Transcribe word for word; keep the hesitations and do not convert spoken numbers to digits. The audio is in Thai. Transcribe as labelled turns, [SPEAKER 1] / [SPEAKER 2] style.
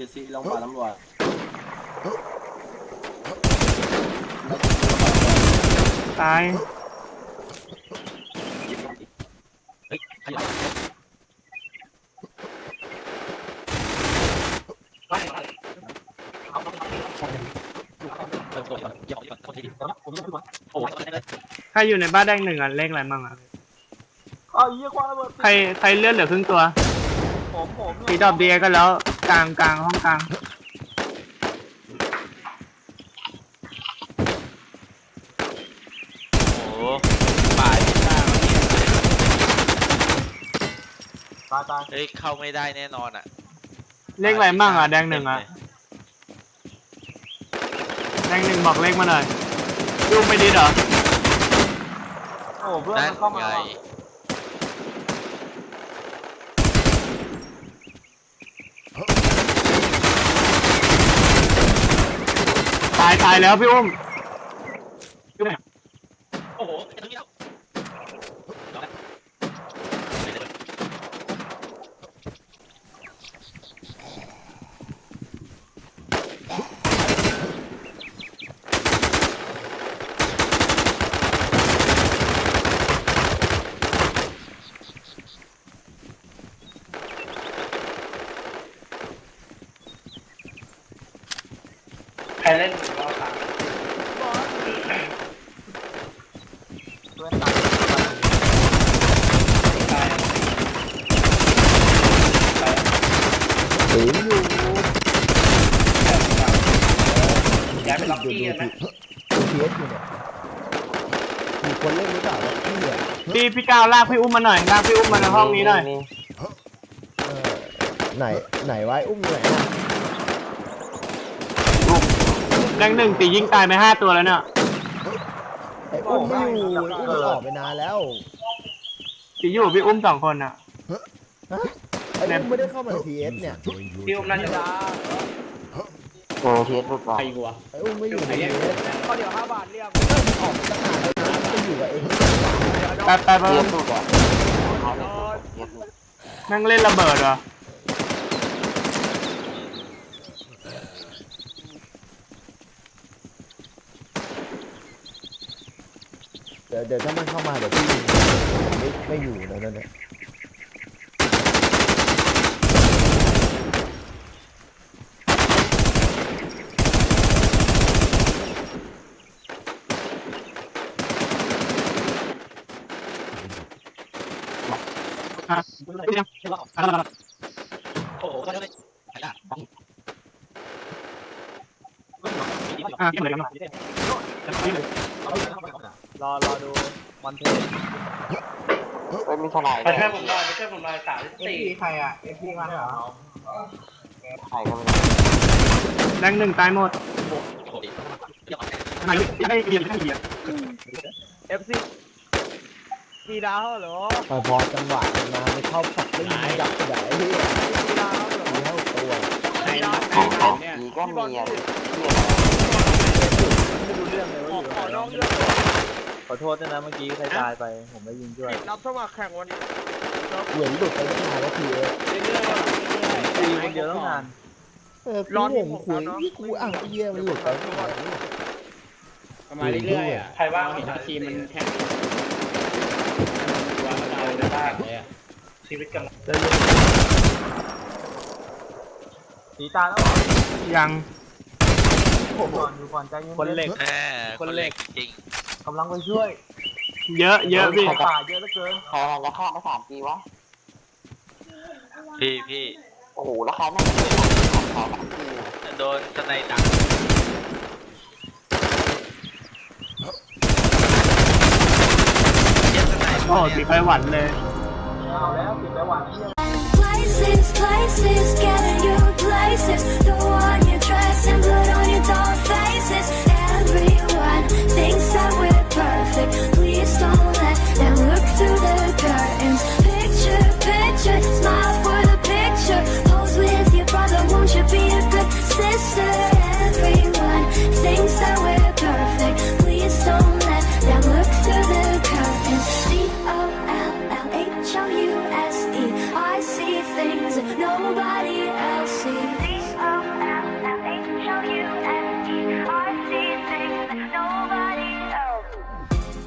[SPEAKER 1] ดซีลงป่าตำรวจ
[SPEAKER 2] ตาย
[SPEAKER 3] เฮ้ยใครอยู่
[SPEAKER 2] ใครอยู่ในบ้านแดงหนึ่งอ่ะเลขอะไรมั่งอ่ะ
[SPEAKER 1] เอาเยี่ยควางระเบิด
[SPEAKER 2] ใครใครเลือดเหลือครึ่งตัว
[SPEAKER 1] ผมผม
[SPEAKER 2] สีดอกเดียก็แล้วกลางกลางห้องกลาง
[SPEAKER 3] โอ้ป่ายไม่ได้
[SPEAKER 1] ตายตาย
[SPEAKER 3] เฮ้ยเข้าไม่ได้แน่นอนอ่ะ
[SPEAKER 2] เลขอะไรมั่งอ่ะแดงหนึ่งอ่ะแดงหนึ่งบอกเลขมาหน่อยยุ่งไปดิเหรอ
[SPEAKER 1] โอ้เพื่อนมันเข้ามา
[SPEAKER 2] ตายตายแล้วพี่อุ้ม
[SPEAKER 3] โอ้โหตรงนี้แล้ว
[SPEAKER 2] ใครเล่นบอลสาม
[SPEAKER 1] เพื่อนตาย
[SPEAKER 2] ตาย
[SPEAKER 4] ถืออยู่
[SPEAKER 2] ย้ายไปล็อกกี้กันไหม
[SPEAKER 4] ดูพีเอสอยู่เนี่ยมีคนเล่นหรือเปล่าวะพี่เนี่ย
[SPEAKER 2] พี่พี่ก้าวลากพี่อุ้มมาหน่อยลากพี่อุ้มมาในห้องนี้หน่อย
[SPEAKER 4] เออไหนไหนไว้อุ้มอยู่ไหนนะ
[SPEAKER 2] แดงหนึ่งตียิงตายไปห้าตัวแล้วเนี่ย
[SPEAKER 4] ไอ้อุ้มไม่อยู่อุ้มออกไปนานแล้ว
[SPEAKER 2] ตีอยู่พี่อุ้มสองคนอ่ะ
[SPEAKER 4] ไอ้อุ้มไม่ได้เข้ามาในพีเอสเนี่ย
[SPEAKER 2] พี่อุ้มน่าจะ
[SPEAKER 1] โอ้พีเอสหลุดว่ะ
[SPEAKER 2] ใครกูวะ
[SPEAKER 4] ไอ้อุ้มไม่อยู่ในพีเอส
[SPEAKER 1] ข้อเดียวห้าบาทเรียบ
[SPEAKER 4] ออกตั้งนานแล้วนะจะอยู่กับเอง
[SPEAKER 2] แป๊บแป๊บแป๊บนั่งเล่นระเบิดเหรอ
[SPEAKER 4] เดี๋ยวเดี๋ยวถ้ามันเข้ามาเดี๋ยวพี่ไม่ไม่อยู่แล้วนั่นเนี่ย
[SPEAKER 2] อ่ะเดี๋ยว
[SPEAKER 3] โอ้โหก็ได้
[SPEAKER 2] อ่ะเก็บเลยกันหน่อย
[SPEAKER 1] รอรอดูวันเทน
[SPEAKER 5] ไม่มีขนาด
[SPEAKER 2] ไปช่วยผมหน่อยไปช่วยผมหน่อยสามสี่ใครอ่ะเอฟพีมาเหรอ
[SPEAKER 5] ใครก็ไม่
[SPEAKER 2] แดงหนึ่งตายหมดไหนยังได้เบียร์ยังได้เบียร์
[SPEAKER 1] เอฟซีมีดาวเหรอ
[SPEAKER 4] พอพอจังหวะมาไปเข้าฝักเล่นยับใหญ่ที่
[SPEAKER 1] มีดาวเหรอ
[SPEAKER 4] มีเท่าตัว
[SPEAKER 2] ไหนนะ
[SPEAKER 5] ของของผีก็มีอ่ะ
[SPEAKER 1] ไม่รู้เรื่องเลยว่าอยู่นอกเรื่องขอโทษด้วยนะเมื่อกี้ใครตายไปผมไม่ยิงด้วยรับสมัครแข่งวัน
[SPEAKER 4] เหมือนหลุดไปตั้งนานแล้วทีเอส
[SPEAKER 1] เรื่อยๆตีคนเดียวตั้งนาน
[SPEAKER 4] เออร้อนผมคุยนี่กูอ่างเยี่ยมันหลุดไปตั้งนาน
[SPEAKER 2] ประมาณเรื่อยๆอ่ะใครว่าเห็นทีมมันแข่งตัวเราได้บ้างเลยอ่ะชีวิตกำลัง
[SPEAKER 1] หนีตาแล้ว
[SPEAKER 2] ยัง
[SPEAKER 1] ผมก่อนอยู่ก่อนใจเย็น
[SPEAKER 3] คนเหล็กแหมคนเหล็กจริง
[SPEAKER 1] กำลังไปช่วย
[SPEAKER 2] เยอะเยอะพี่
[SPEAKER 1] ป่าเยอะเหลือเกิน
[SPEAKER 5] ใครจะฆ่ามาสามปีวะ
[SPEAKER 3] พี่พี่
[SPEAKER 5] โอ้โหแล้วใครไม่ได้ฆ่าสามปี
[SPEAKER 3] โดนสไนดัก
[SPEAKER 2] โอ้ติดไปหวันเลย
[SPEAKER 1] เอาแล้วติดไปหวัน